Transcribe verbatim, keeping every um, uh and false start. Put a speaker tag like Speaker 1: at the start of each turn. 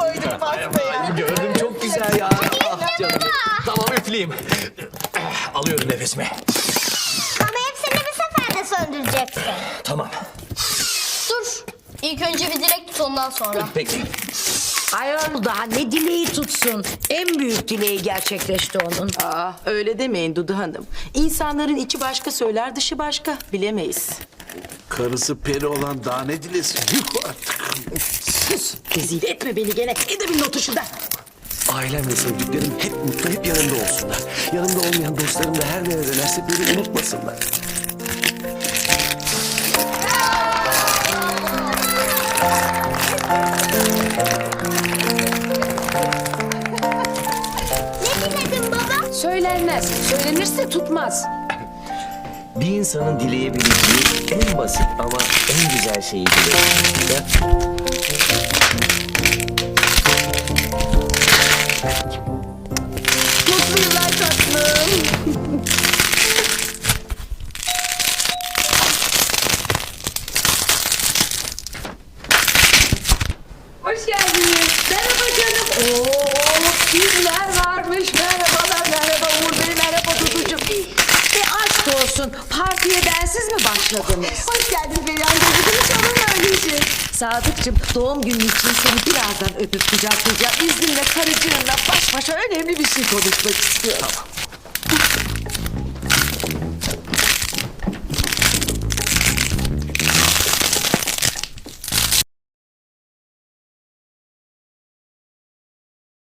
Speaker 1: koyduk pastaya.
Speaker 2: Gördüm, çok güzel ya. Ah canım. Tamam, üfleyeyim. Alıyorum nefesimi.
Speaker 3: Ama hepsini bir seferde söndüreceksin.
Speaker 2: Tamam.
Speaker 4: Dur. İlk önce bir dilek tut ondan sonra.
Speaker 2: Peki.
Speaker 1: Ayol daha ne dileği tutsun. En büyük dileği gerçekleşti onun.
Speaker 5: Aa, öyle demeyin Dudu Hanım. İnsanların içi başka söyler, dışı başka. Bilemeyiz.
Speaker 6: Karısı peri olan daha ne dilesin? Yuh artık.
Speaker 1: Sus. Rezil etme beni gene. Edebin notu şurada.
Speaker 2: Ailem ve sevdiklerim hep mutlu, hep yanımda olsunlar. Yanımda olmayan dostlarım da her neredelerse beni unutmasınlar.
Speaker 3: Ne diledin baba?
Speaker 1: Söylenmez. Söylenirse tutmaz.
Speaker 2: Bir insanın dileyebileceği en basit ama en güzel şeyi dilerim.
Speaker 1: Mutlu yıllar tatlım. Hoş geldiniz. Merhaba canım. Oo, kimler varmış? Merhabalar, merhaba Uğur Bey, merhaba Duducuğum. E aşk olsun. Partiye bensiz mi başladınız? Hoş geldin Perihan Duducuğum. Hiç olur öyleyse. Sadıkçım, doğum günün için seni birazdan öpüp kucaklayacağım. İzninle karıcığınla baş başa önemli bir şey konuşmak istiyorum.
Speaker 2: Tamam.